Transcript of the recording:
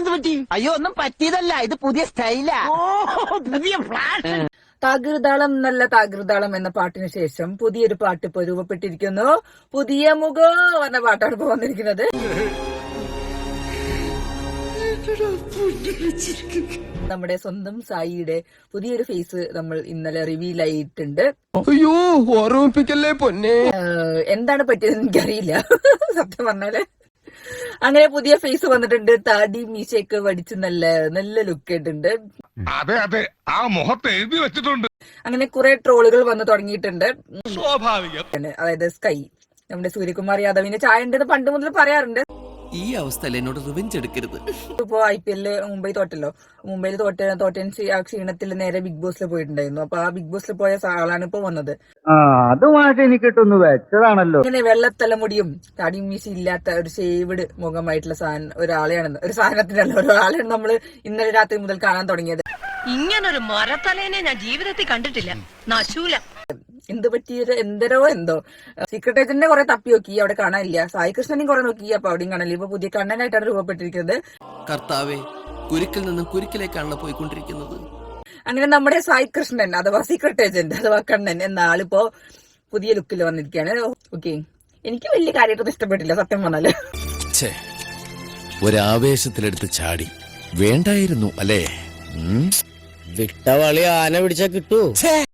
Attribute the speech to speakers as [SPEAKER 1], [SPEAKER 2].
[SPEAKER 1] എന്ത് പറ്റി?
[SPEAKER 2] അയ്യോ ഒന്നും പറ്റിയതല്ല, ഇത് പുതിയ സ്റ്റൈലാ.
[SPEAKER 1] ഓ, പുതിയ ഫ്ലാഷ്.
[SPEAKER 3] താകൃതാളം നല്ല താകൃതാളം എന്ന പാട്ടിന് ശേഷം പുതിയൊരു പാട്ട് ഇപ്പൊ രൂപപ്പെട്ടിരിക്കുന്നു. പുതിയ മുഖം എന്ന പാട്ടാണ് ഇപ്പൊ വന്നിരിക്കുന്നത്. നമ്മുടെ സ്വന്തം സായിയുടെ പുതിയൊരു ഫേസ് നമ്മൾ ഇന്നലെ റിവീൽ ആയിട്ടുണ്ട്.
[SPEAKER 4] അയ്യോ ഓർമ്മിപ്പിക്കല്ലേ പൊന്നെ.
[SPEAKER 3] എന്താണ് പറ്റിയതെന്ന് എനിക്കറിയില്ല സത്യം പറഞ്ഞാല്. അങ്ങനെ പുതിയ ഫേസ് വന്നിട്ടുണ്ട്. താടി മീശയൊക്കെ വടിച്ച് നല്ല നല്ല ലുക്ക് ആയിട്ടുണ്ട്.
[SPEAKER 5] അതെ അതെ, ആ മുഖത്ത് എഴുതി വെച്ചിട്ടുണ്ട്.
[SPEAKER 3] അങ്ങനെ കുറെ ട്രോളുകൾ വന്നു തുടങ്ങിയിട്ടുണ്ട്.
[SPEAKER 5] സ്വാഭാവികം.
[SPEAKER 3] അതായത് സ്കൈ നമ്മുടെ സൂര്യകുമാർ യാദവിന്റെ ചായ ഉണ്ടെന്ന് പണ്ട് മുതൽ പറയാറുണ്ട്.
[SPEAKER 4] ഈ അവസ്ഥയിൽ എന്നോട് റിവെഞ്ച് എടുക്കരുത്.
[SPEAKER 3] ഇപ്പോ IPL മുംബൈ തോറ്റല്ലോ. മുംബൈയിൽ തോറ്റൻ ആ ക്ഷീണത്തിൽ നേരെ ബിഗ് ബോസിൽ പോയിട്ടുണ്ടായിരുന്നു. അപ്പൊ ആ ബിഗ് ബോസിൽ പോയ ആളാണ് ഇപ്പൊ വന്നത്.
[SPEAKER 6] അതുമായിട്ട് എനിക്ക് കിട്ടുന്നു വെച്ചതാണല്ലോ.
[SPEAKER 3] ഇങ്ങനെ വെള്ളത്തലമുടിയും താടിയും മീശി ഇല്ലാത്ത ഒരു ഷേവ്ഡ് മുഖമായിട്ടുള്ള ഒരാളെയാണ്, ഒരു സാധനത്തിനുള്ള ഒരാളെയാണ് നമ്മൾ ഇന്നലെ രാത്രി മുതൽ കാണാൻ തുടങ്ങിയത്.
[SPEAKER 7] ഇങ്ങനൊരു മരത്തലേനെ ഞാൻ ജീവിതത്തിൽ കണ്ടിട്ടില്ല. നശൂല.
[SPEAKER 3] എന്ത് പറ്റിയത് എന്തോ സീക്രട്ട് ഏജന്റിനെ കുറെ തപ്പി നോക്കി, അവിടെ കാണാനില്ല. സായി കൃഷ്ണനെയും കുറെ നോക്കി, അപ്പൊ അവിടെയും കാണാനില്ല. ഇപ്പൊ പുതിയ കണ്ണനായിട്ടാണ് രൂപപ്പെട്ടിരിക്കുന്നത്.
[SPEAKER 4] കർത്താവേ, കുരുക്കിൽ നിന്നും കുരുക്കിലേക്കാണല്ലോ പോയിക്കൊണ്ടിരിക്കുന്നത്.
[SPEAKER 3] അങ്ങനെ നമ്മുടെ സായി കൃഷ്ണൻ അഥവാ സീക്രട്ട് ഏജന്റ് അഥവാ കണ്ണൻ എന്ന ആളിപ്പോ പുതിയ ലുക്കിൽ വന്നിരിക്കുകയാണ്. ഓക്കെ, എനിക്ക് വലിയ കാര്യമായിട്ടൊന്നും ഇഷ്ടപ്പെട്ടില്ല സത്യം പറഞ്ഞാല്.
[SPEAKER 4] ഒരാവേശത്തിലെടുത്ത് ചാടി വേണ്ടായിരുന്നു അല്ലേ?
[SPEAKER 1] വിട്ടവളി ആന പിടിച്ചാ കിട്ടൂ.